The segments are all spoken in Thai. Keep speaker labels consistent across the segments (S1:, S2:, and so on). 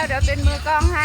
S1: เดี๋ยวเป็นมือกล้องให้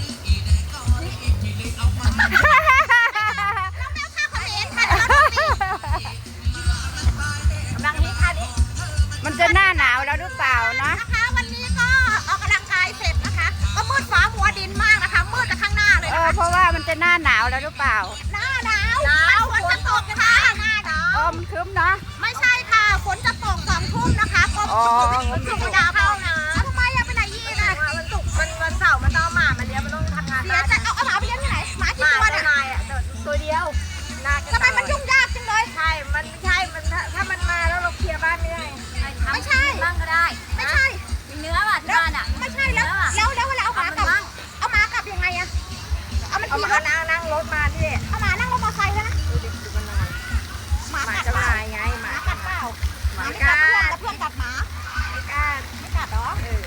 S1: มันจะหน้าหนาวแล้วหรือเปล่านะ
S2: นะคะวันนี้ก็ออกกำลังกายเสร็จนะคะก็มืดฟ้ามัวดินมากนะคะมืดจากข้างหน้าเลย
S1: เพราะว่ามันจะหน้าหนาวแล้วหรือเปล่า
S2: หน้าหนาวฝนจะตกค่ะหน้าหนาว
S1: มันครึ้มเนาะ
S2: ไม่ใช่ค่ะฝนจะตก2 ทุ่มนะคะก็สุกดาวเข้านะทำไมไปไหนยี่นะ
S3: วันเสาร์มันต้องหมามาเลี้ยงมันต้องทำงาน
S2: เดี๋ยวจะเอาหมาไปเลี้ยงที่ไหนหมากี่ตัวเนี่ย
S3: ตัวเดียว
S2: ทำไมมันยุ่งยากจังเลย
S3: ใช่มันไม่ใช่มันถ้ามันมาแล้วเราเคลียร์บ้านไม่ได้
S2: ไม่ใช่
S3: บ้างก็ได้
S2: ไม่ใช่
S3: เนื้อว่ะที่บ้านอ่ะ
S2: ไม่ใช่แล้วเวลาเอาหมากลับยังไงอะเอามันขี่รถ
S3: นั่งรถมาที่
S2: เอาหมานั่งรถมอเตอร์ไซค์แล้วนะหมา
S3: จะมาไง
S2: หมากัดเปล่าหมากัดเพื่อนกัดหมา
S3: ไม่กล้า
S2: ไม่กัดหรอ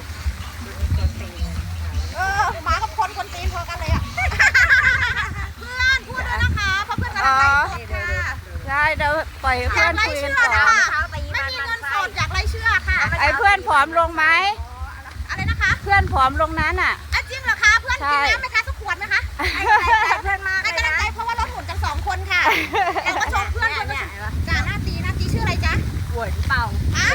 S2: หมากับคนตีนพอกันเลยอ่ะเพื่อนพูดด้วยนะคะเพราะเพื่อนกำลังไลฟ์สดค่ะ
S1: ใช่เดี๋ยวปล่อยเพื่อนคุยกันก่อน
S2: ไม่มีเงินสดอยากไรเชื่อค่ะ
S1: ไอ้เพื่อนผอมลงไหม
S2: อะไรนะคะ
S1: เพื่อนผอมลงนั้นอ่ะ
S2: จริงเหรอคะเพื่อนกินน้ำไหมคะสักขวดไหมคะเพื่อนมาให้กำลังใจเพราะว่าเราหุ่นกัน2 คนค่ะแล้วก็ชมเพื่อนคนนี้จ่าหน้าตีชื่ออะไรจ๊ะ
S3: เหวียนเป่า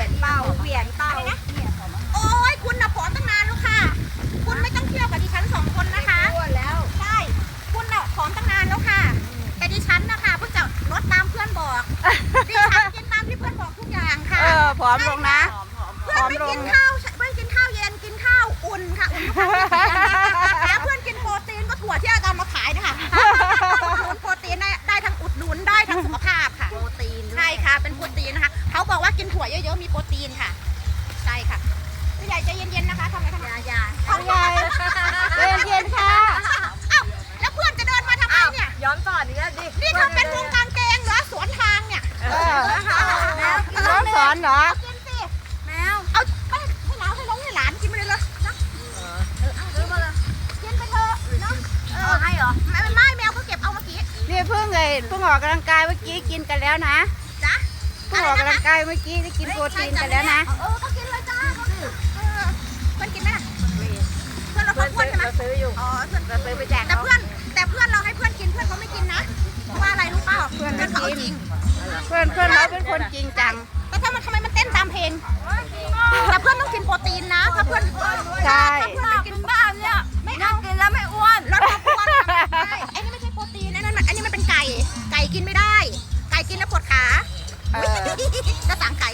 S2: โอ้ยคุณน่ะผอมตั้งนานแล้วค่ะคุณไม่ต้องเที่ยวกับดิฉัน2 คนนะคะ
S3: แล้ว
S2: ใช่คุณน่ะผอมตั้งนานแล้วค่ะแต่ดิฉันนะคะเพิ่งจะลดตามเพื่อนบอกดิฉันกินตามที่เพื่อนบอกทุกอย่างค่ะ
S1: ผอมลงนะ
S2: เพื่อนไม่กินข้าวเย็นกินข้าวอุ่นค่ะอุ่นแล้วเพื่อนกินโปรตีนก็ถั่วที่อาจารย์มาขายนะคะโปรตีนได้ทั้งอุดหนุนได้ทั้งสุขภาพค่ะ
S3: โปรตีน
S2: ใช่ค่ะเป็นโปรตีนนะคะเขาบอกว่ากินถั่วเยอะๆมีโปรตีนค่ะใช่ค่ะพี่ใหญ่ใจเย็นๆนะคะทำไมทำ
S3: ยา
S1: พี่ใหญ่ใจเย็นๆค่ะ
S2: แล้วเพื่อนจะเดินมาทำไมเนี่ย
S3: ย้อนสอนนี่ดิ
S2: นี่เธอเป็นวงการเกงเหรอสวนทางเนี่ย
S1: น้องสอนเหรอ
S2: กินสิแมวเอาให้น้องให้หลานกินไปเลยนะ
S3: ซื้อมาเลย
S2: กินไปเถอะเนาะ
S3: ให้เหรอ
S2: ไม่แมวเขาเก็บเอาเมื่อกี้
S1: นี่เพิ่งออกกำลังกายเมื่อกี้กินกันแล้วนะ
S2: จ๊ะ
S1: เพิ่งออกกำลังกายเมื่อกี้ได้กินโปรตีนกันแล้วนะ
S2: ก็กินเลยจ้าเพื่อนกินไหมเพื่อนเราเพื่อนใช่ไหม
S3: ซื้ออยู่
S2: เพื่อน
S3: ซื้อไปแจก
S2: แต่เพื่อนเราให้เพื่อนกินเพื่อนเขาไม่กินนะเพราะว่าอะไรรู้เปล่า
S1: เพื่อนไม่
S2: เขา
S1: กินเพื่อนเราเป็นคนจริงจัง
S2: แต่ทำไมมันเต้นตามเพลงแต่เพื่อนต้องกินโปรตีนนะถ้าเพื่อน
S1: ใช่
S2: ไม่กินบ้านเนี่ยไม่เอา
S3: กินแล้วไม่อ้วน
S2: ลดความอ้วนใช่ไอ้นี่ไม่ใช่โปรตีนอันนี้มันเป็นไก่กินไม่ได้ไก่กินแล้วปวดขาจะสั่งไก่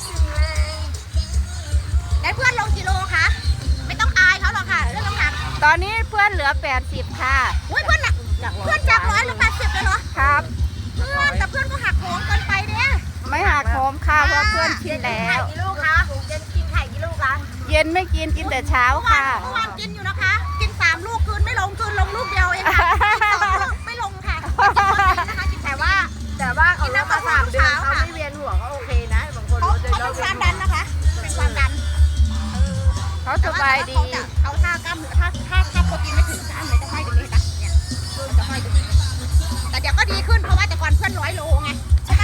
S2: ได้เพื่อนลงกิโลคะไม่ต้องอายเขาหรอกค่ะเรื่องน้ำหนัก
S1: ตอนนี้เพื่อนเหลือ80ค่ะ
S2: เพื่อนจาก100เหลือ80เลยเหรอ
S1: ครับ
S2: แต่เพื่อนก็หักโหมเกินไปเนี่ย
S1: ไม่หักโหมค่ะเพราะเพื่อนกินแล้ว
S3: กี่ลูกคะเย็นกินไข่กี่ลูกคะ
S1: เย็นไม่กินแต่เช้าค่ะ
S2: เมื่อวานกินอยู่นะคะกิน3 ลูกคืนไม่ลงลงลูกเดียวเองค่ะ2 ลูกไม่ลงค่ะ
S3: แต่ว่าเขาเลิกมา3 เดือนเขาไม่เวียนหัวก็โอเคนะบางคน
S2: เขาเป็นความดันนะคะเป็นความดัน
S1: เขาสบายดี
S2: เขาท่ากล้ามเนื้อถ้าโปรตีนไม่ถึงกล้ามเนื้อจะห้อยตรงนี้นะเนี่ยจะห้อยตรงนี้แต่เดี๋ยวก็ดีขึ้นเพราะว่าแต่ก่อนเพื่อน100 โลไงใช่ไหม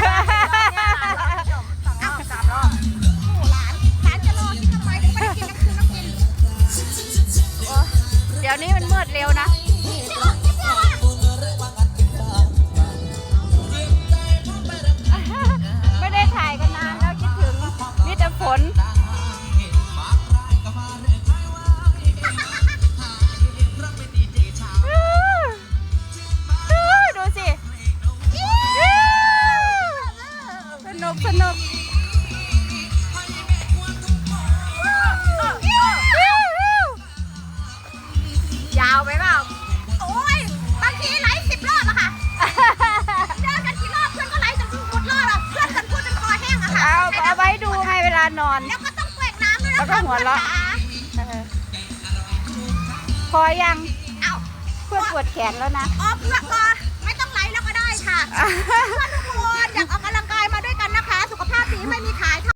S3: 3 รอบ
S2: โอ้หลานจะรอกินทำไมไม่ได้กินน้ำคืนต้องกิน
S1: เดี๋ยวนี้มันมืดเร็วนะไม่ได้ถ่ายกันนานแล้วคิดถึงมีแต่ฝนดูสิสนุก
S3: ยาวไหมเปล่า
S2: โอ้ยบางทีไลฟ์10 รอบอะค่ะเดินกันกี่รอบเพื่อนก็ไลฟ์จนหมดรอบอะเพื่อนกันพูดจนคอแห้งอะค่ะ
S1: เอาไว้ดูให้เวลานอน
S2: แล้วก็ต้องแกว่งน้ำด้วยนะ
S1: แล้วก็หัวเราะพอยังเพื่อนปวดแขนแล้วนะ
S2: เพื่อนก็ไม่ต้องไลฟ์แล้วก็ได้ค่ะเพื่อนทุกคนอยากออกกำลังกายมาด้วยกันนะคะสุขภาพดีไม่มีขาย